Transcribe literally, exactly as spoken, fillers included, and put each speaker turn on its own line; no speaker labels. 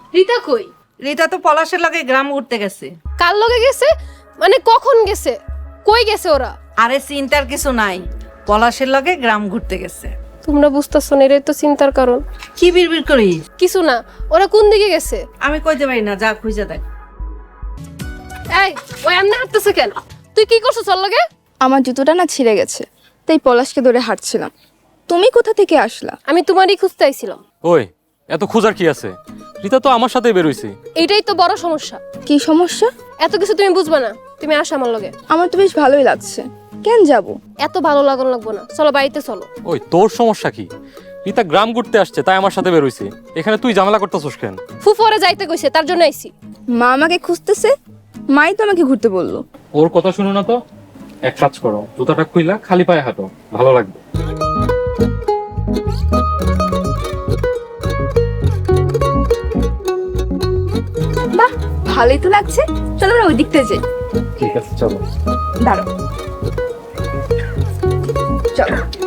রিতা কই?
রিতা তো পলাশের লগে গ্রাম ঘুরতে গেছে।
কার লগে গেছে? মানে কখন গেছে? কই গেছে ওরা?
আরে চিন্তার কিছু নাই, পলাশের লগে গ্রাম ঘুরতে গেছে।
তোমরা বুঝতেছো না, এটাই তো চিন্তার কারণ।
কি বিড়বিড় করিস?
কিছু না, ওরা কোন দিকে গেছে?
আমি কইতে পারি না, যা খুঁজে দেখ।
এই, ওই এমনি হাঁটতেছে কেন? তুই কি করছিস ওর লগে?
আমার জুতোটা না ছিঁড়ে গেছে, তাই পলাশকে ধরে হাঁটছিলাম। তুমি কোথা থেকে আসলা?
আমি তোমারই খুঁজতে আইছিলাম।
ওই এত খোঁজার কি আছে? রিতা তো আমার সাথেই বেরোইছে।
এইটাই তো বড় সমস্যা।
কি সমস্যা?
এত কিছু তুমি বুঝবা না, তুমি আসো আমার লগে।
আমার তো বেশ ভালোই লাগছে, কেন যাব?
এত ভালো লাগান লাগবো না, চলো বাড়িতে চলো।
ওই তোর সমস্যা কি? রিতা গ্রাম ঘুরতে আসছে তাই আমার সাথে বেরোইছে, এখানে তুই ঝামেলা করতেছিস কেন?
ফুফুরে যাইতে কইছে, তার জন্য আইছি।
মা আমাকে খুঁজতেছে, মাই তো আমাকে ঘুরতে বললো।
ওর কথা শুনো না তো, এক কাজ করো, জুতাটা খুইলা খালি পায়ে হাঁটো, ভালো লাগবে।
বাহ, ভালোই তো লাগছে, চলো আমরা ওই দিকতে যাই।
ঠিক আছে চলো।
দাঁড়াও, চলো।